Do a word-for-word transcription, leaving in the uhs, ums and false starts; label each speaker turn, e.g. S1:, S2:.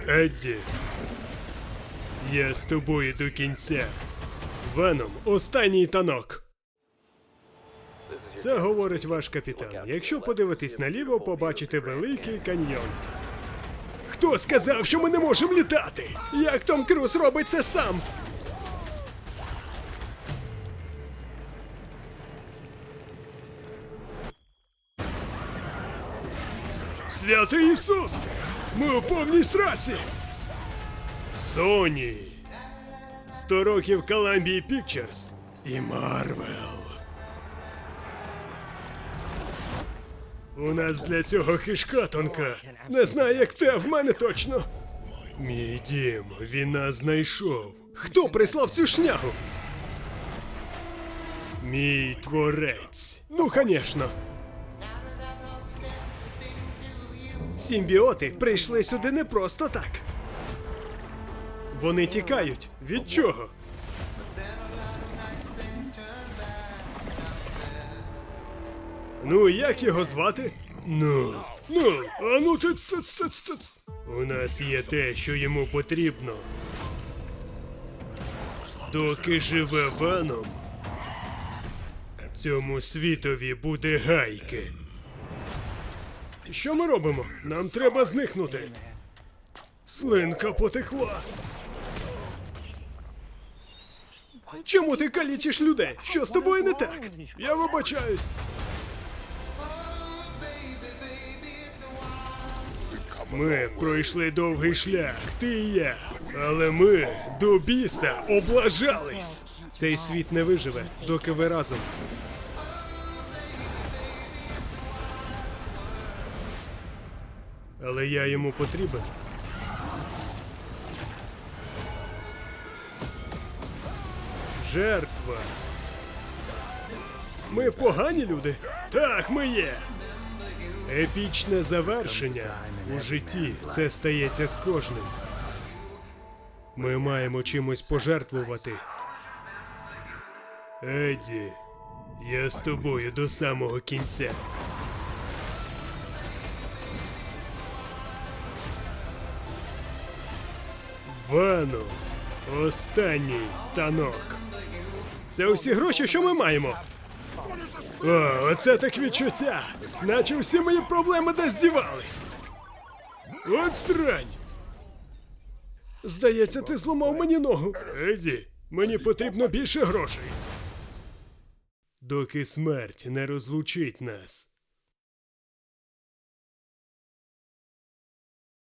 S1: Едді, я з тобою до кінця. Веном – останній танок. Це говорить ваш капітан. Якщо подивитись наліво, побачите великий каньйон. Хто сказав, що ми не можемо літати? Як Том Круз робить це сам? Святий Ісус! Ми у повній сраці! Соні! Сто років Columbia Pictures і Марвел. У нас для цього кишка тонка. Не знаю, як те, в мене точно. Мій дім, він нас знайшов. Хто прислав цю шнягу? Мій творець. Ну, конечно. Симбіоти прийшли сюди не просто так. Вони тікають. Від чого? Ну, як його звати? Ну, ну, а ну тиц, тиц, тиц, тиц. У нас є те, що йому потрібно. Доки живе Веном, цьому світові буде гайки. Що ми робимо? Нам треба зникнути. Слинка потекла. Чому ти калічиш людей? Що з тобою не так? Я вибачаюсь. Ми пройшли довгий шлях, ти і я. Але ми до біса облажались. Цей світ не виживе, доки ви разом. Але я йому потрібен. Жертва. Ми погані люди? Так, ми є. Епічне завершення у житті. Це стається з кожним. Ми маємо чимось пожертвувати. Едді, я з тобою до самого кінця. Веном. Останній танок. Це усі гроші, що ми маємо. О, оце так відчуття. Наче всі мої проблеми десь дівались. От срань. Здається, ти зламав мені ногу. Едді, мені потрібно більше грошей. Доки смерть не розлучить нас.